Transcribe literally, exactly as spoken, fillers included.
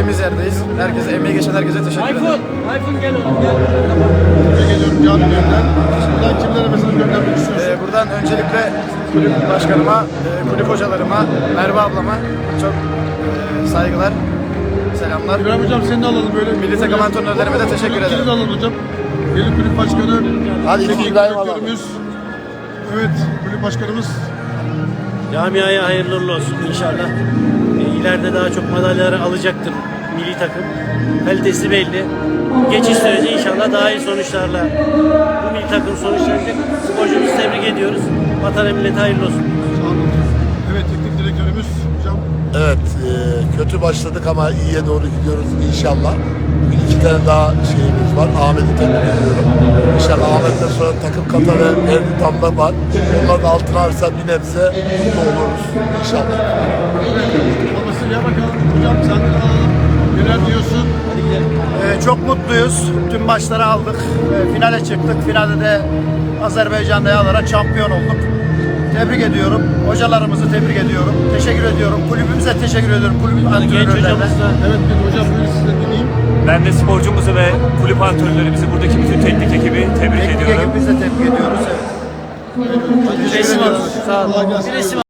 istediğimiz yerdeyiz. Herkese, emeği geçen herkese teşekkür ederim. iPhone, iPhone gel oğlum gel. Tebrik ediyorum canı gönülden. Buradan kimlere mesaj göndermek istiyorsun? Ee, buradan öncelikle kulüp başkanıma, e, kulüp hocalarıma, Merve ablama çok e, saygılar, selamlar. İbrahim hocam seni de alalım böyle. Milli takım antrenörlerime de teşekkür ederim. Seni de alalım hocam. Yeni kulüp başkanı. Hadi teknik İbrahim alalım. direktörümüz. Evet, kulüp başkanımız. Camiaya hayırlı uğurlu olsun inşallah. E, ileride daha çok madalyaları alacaktır milli takım. Kalitesi belli. Geçiş süreci inşallah daha iyi sonuçlarla bu milli takım sonuçlanacak. Sporcumuzu tebrik ediyoruz. Vatana millete hayırlı olsun. Sağ olun. Evet, teknik direktörümüz hocam. Evet, e, kötü başladık ama iyiye doğru gidiyoruz inşallah. Bugün iki tane daha şeyimiz var. Ahmet'i tebrik ediyorum. İnşallah Ahmet'ten sonra takım kata ve Erdi Damla var. Onlar da altına alırsa bir nebze mutlu oluruz inşallah. Babası ya bakalım. Hocam sen de alalım. Neler diyorsun? Ee, çok mutluyuz. Tüm maçları aldık. Ee, finale çıktık. Finalde de Azerbaycan'da alarak şampiyon olduk. Tebrik ediyorum. Hocalarımızı tebrik ediyorum. Teşekkür ediyorum. Kulübümüze teşekkür ediyorum. Kulübün Genç antrenörlerine. hocamız da Evet, bir hocam buyurun siz de dinleyeyim. Ben de sporcumuzu ve kulüp antrenörlerimizi, buradaki bütün teknik ekibi tebrik Teknik ediyorum. ekibimizi de tebrik ediyoruz. Evet. bir resim alın. Sağ olun. Kolay gelsin. Bir resim